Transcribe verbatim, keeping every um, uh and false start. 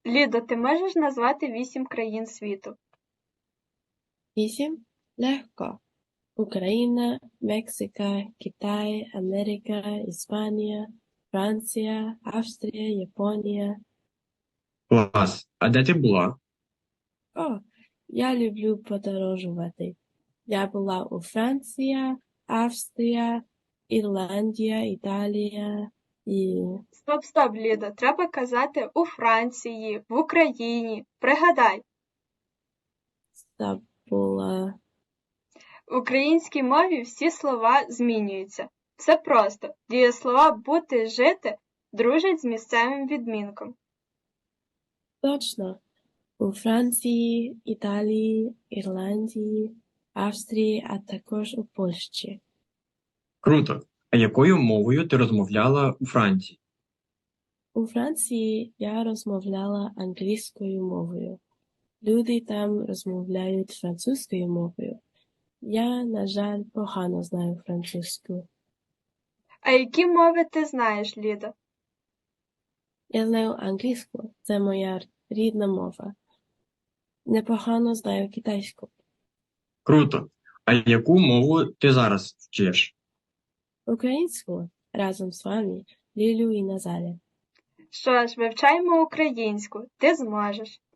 Лідо, ти можеш назвати вісім країн світу? Вісім? Легко. Україна, Мексика, Китай, Америка, Іспанія, Франція, Австрія, Японія. Клас. А де ти була? О, я люблю подорожувати. Я була у Франції, Австрія, Ірландія, Італія і Стоп, стоп, Лідо, треба казати у Франції, в Україні. Пригадай, забула. в українській мові всі слова змінюються. Все просто. Дієслова бути, жити дружать з місцевим відмінком. Точно. У Франції, Італії, Ірландії, Австрії, а також у Польщі. Круто. А якою мовою ти розмовляла у Франції? У Франції я розмовляла англійською мовою. Люди там розмовляють французькою мовою. Я, на жаль, погано знаю французьку. А які мови ти знаєш, Лідо? Я знаю англійську, це моя рідна мова. Непогано знаю китайську. Круто. А яку мову ти зараз вчиш? Українську разом з вами, Лілю і Назарі. Що ж, вивчаємо українську, ти зможеш.